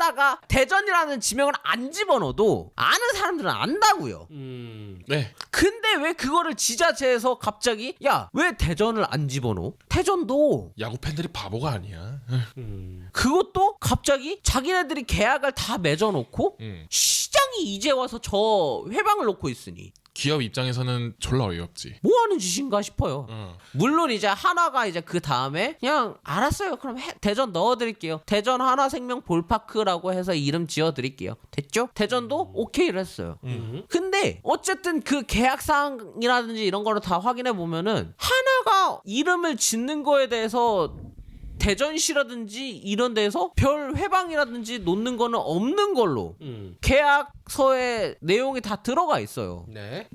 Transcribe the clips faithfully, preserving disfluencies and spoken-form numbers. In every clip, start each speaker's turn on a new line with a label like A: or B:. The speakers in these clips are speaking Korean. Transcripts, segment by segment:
A: 하다가 대전이라는 지명을 안 집어넣어도 아는 사람들은 안다고요.
B: 음.
C: 네.
A: 근데 왜 그거를 지자체에서 갑자기 야, 왜 대전을 안 집어넣어? 대전도
C: 야구 팬들이 바보가 아니야.
B: 음.
A: 그것도 갑자기 자기네들이 계약을 다 맺어놓고
C: 음.
A: 시장이 이제 와서 저 회방을 놓고 있으니
C: 기업 입장에서는 졸라 어이없지.
A: 뭐 하는 짓인가 싶어요.
C: 어.
A: 물론 이제 하나가 이제 그 다음에 그냥 알았어요. 그럼 해, 대전 넣어드릴게요. 대전 하나생명 볼파크라고 해서 이름 지어드릴게요. 됐죠? 대전도 오케이를 했어요.
B: 음.
A: 근데 어쨌든 그 계약사항이라든지 이런 거를 다 확인해 보면은 하나가 이름을 짓는 거에 대해서 대전시라든지 이런 데서 별 회방이라든지 놓는 거는 없는 걸로
B: 음.
A: 계약서에 내용이 다 들어가 있어요.
B: 네.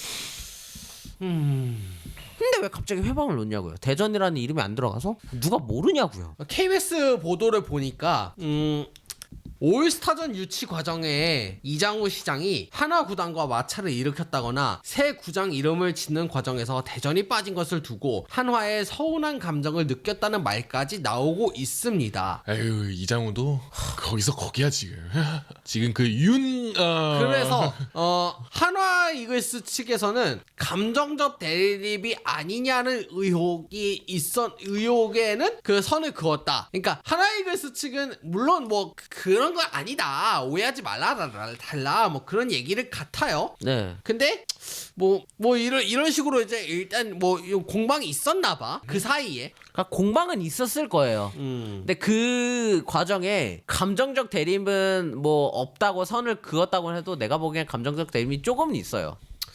B: 음.
A: 근데 왜 갑자기 회방을 놓냐고요? 대전이라는 이름이 안 들어가서? 누가 모르냐고요?
B: 케이비에스 보도를 보니까 음. 올스타전 유치 과정에 이장우 시장이 하나 구단과 마찰을 일으켰다거나 새 구장 이름을 짓는 과정에서 대전이 빠진 것을 두고 한화에 서운한 감정을 느꼈다는 말까지 나오고 있습니다.
C: 에휴, 이장우도 거기서 거기야 지금. 지금 그 윤 어...
B: 그래서 어 한화 이글스 측에서는 감정적 대립이 아니냐는 의혹이 있었 의혹에는 그 선을 그었다. 그러니까 한화 이글스 측은 물론 뭐 그런 건 아니다. 오해하지 말라 달라 뭐 그런 얘기를 같아요.
A: 네.
B: 근데 뭐 뭐 이런 이런 식으로 이제 일단 뭐 공방이 있었나 봐. 그 사이에.
A: 그러니까 공방은 있었을 거예요.
B: 음.
A: 근데 그 과정에 감정적 대립은 뭐 없다고 선을 그었다고 해도 내가 보기엔 감정적 대립이 조금은 있어요.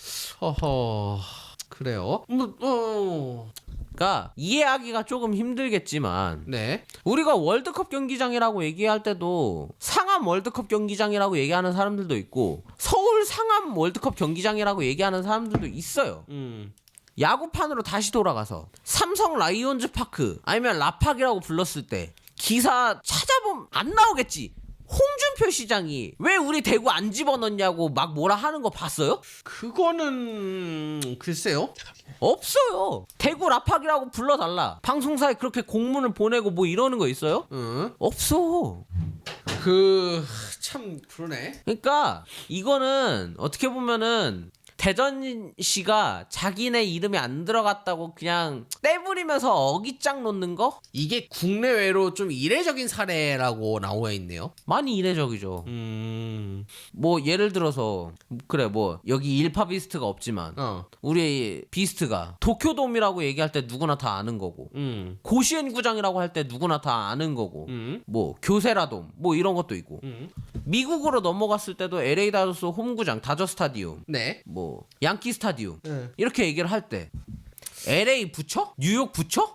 B: 허허. 그래요? 뭐 어.
A: 그러니까 이해하기가 조금 힘들겠지만
B: 네.
A: 우리가 월드컵 경기장이라고 얘기할 때도 상암 월드컵 경기장이라고 얘기하는 사람들도 있고 서울 상암 월드컵 경기장이라고 얘기하는 사람들도 있어요.
B: 음.
A: 야구판으로 다시 돌아가서 삼성 라이온즈 파크 아니면 라팍이라고 불렀을 때 기사 찾아보면 안 나오겠지. 홍준표 시장이 왜 우리 대구 안 집어넣냐고 막 뭐라 하는 거 봤어요?
B: 그거는 글쎄요.
A: 없어요. 대구 라팍이라고 불러달라. 방송사에 그렇게 공문을 보내고 뭐 이러는 거 있어요?
B: 응.
A: 없어.
B: 그 참 그러네.
A: 그러니까 이거는 어떻게 보면은 대전시가 자기네 이름이 안 들어갔다고 그냥 떼부리면서 어깃장 놓는 거?
B: 이게 국내외로 좀 이례적인 사례라고 나와 있네요.
A: 많이 이례적이죠.
B: 음.
A: 뭐 예를 들어서 그래 뭐 여기 일파 비스트가 없지만
B: 어.
A: 우리 비스트가 도쿄돔이라고 얘기할 때 누구나 다 아는 거고
B: 음.
A: 고시엔 구장이라고 할 때 누구나 다 아는 거고
B: 음.
A: 뭐 교세라돔 뭐 이런 것도 있고
B: 음.
A: 미국으로 넘어갔을 때도 엘에이 다저스 홈구장 다저 스타디움
B: 네.
A: 뭐 양키 스타디움
B: 네.
A: 이렇게 얘기를 할 때 엘에이 붙여? 뉴욕 붙여?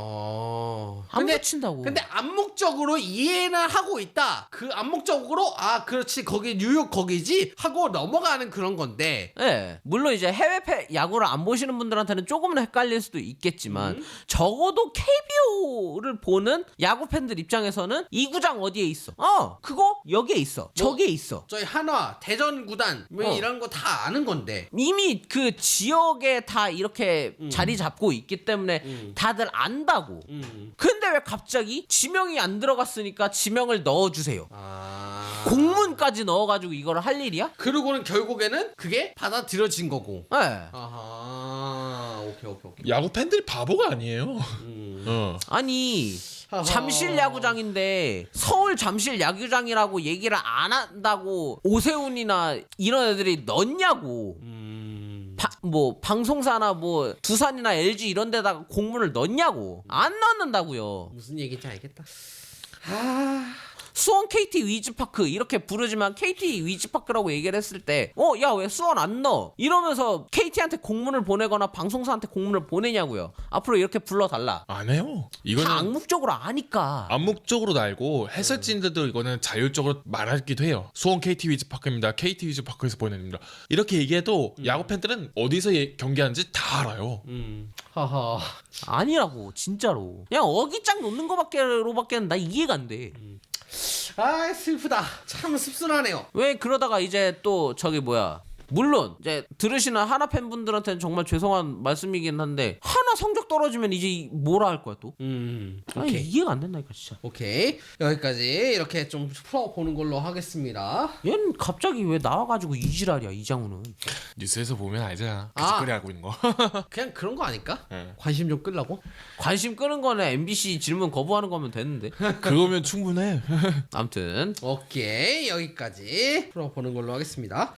B: 어.
A: 안
B: 근데
A: 붙인다고.
B: 근데 암묵적으로 이해는 하고 있다. 그 암묵적으로 아 그렇지 거기 뉴욕 거기지 하고 넘어가는 그런 건데.
A: 예. 물론 이제 해외 패, 야구를 안 보시는 분들한테는 조금은 헷갈릴 수도 있겠지만
B: 음.
A: 적어도 케이비오를 보는 야구 팬들 입장에서는 이 구장 어디에 있어? 어, 그거 여기에 있어. 저기에 있어.
B: 저희 한화 대전 구단 뭐
A: 어.
B: 이런 거 다 아는 건데.
A: 이미 그 지역에 다 이렇게 자리 잡고 있기 때문에
B: 음.
A: 다들 안다고.
B: 음.
A: 근데 왜 갑자기 지명이 안 들어갔으니까 지명을 넣어주세요.
B: 아.
A: 공문까지 넣어가지고 이걸 할 일이야?
B: 그러고는 결국에는 그게 받아들여진 거고.
A: 예.
B: 아하. 오케이 오케이 오케이.
C: 야구 팬들이 바보가 아니에요.
B: 음.
C: 어.
A: 아니
B: 하하.
A: 잠실 야구장인데 서울 잠실 야구장이라고 얘기를 안 한다고 오세훈이나 이런 애들이 넣냐고.
B: 음.
A: 바, 뭐 방송사나 뭐 두산이나 엘지 이런 데다가 공문을 넣냐고. 안 넣는다고요.
B: 무슨 얘기인지 알겠다. 아.
A: 수원 케이티 위즈파크 이렇게 부르지만 케이티 위즈파크라고 얘기를 했을 때 어 야 왜 수원 안 넣어? 이러면서 케이티한테 공문을 보내거나 방송사한테 공문을 보내냐고요. 앞으로 이렇게 불러달라.
C: 안 해요.
A: 다
C: 이거는
A: 암묵적으로 아니까.
C: 암묵적으로 알고 해설진들도 이거는 자율적으로 말하기도 해요. 수원 케이티 위즈파크입니다. 케이티 위즈파크에서 보내줍니다. 이렇게 얘기해도
B: 음.
C: 야구 팬들은 어디서 예- 경기하는지 다 알아요.
B: 음. 하하.
A: 아니라고 진짜로. 그냥 어깃장 놓는 거밖에로밖에는 나 이해가 안 돼.
B: 아 슬프다. 참 씁쓸하네요.
A: 왜 그러다가 이제 또 저기 뭐야 물론 이제 들으시는 하나 팬분들한테는 정말 죄송한 말씀이긴 한데 하나 성적 떨어지면 이제 뭐라 할 거야 또?
B: 음.
A: 아니
B: 오케이.
A: 이해가 안 된다니까 진짜.
B: 오케이. 여기까지 이렇게 좀 풀어보는 걸로 하겠습니다.
A: 얘는 갑자기 왜 나와가지고 이지랄이야 이장우는.
C: 뉴스에서 보면 알잖아. 그
B: 아.
C: 짓거리 하고 있는 거.
B: 그냥 그런 거 아닐까?
C: 네.
B: 관심 좀 끌라고?
A: 관심 끄는 거는 엠비씨 질문 거부하는 거면 되는데.
C: 그거면 충분해.
A: 아무튼
B: 오케이. 여기까지 풀어보는 걸로 하겠습니다.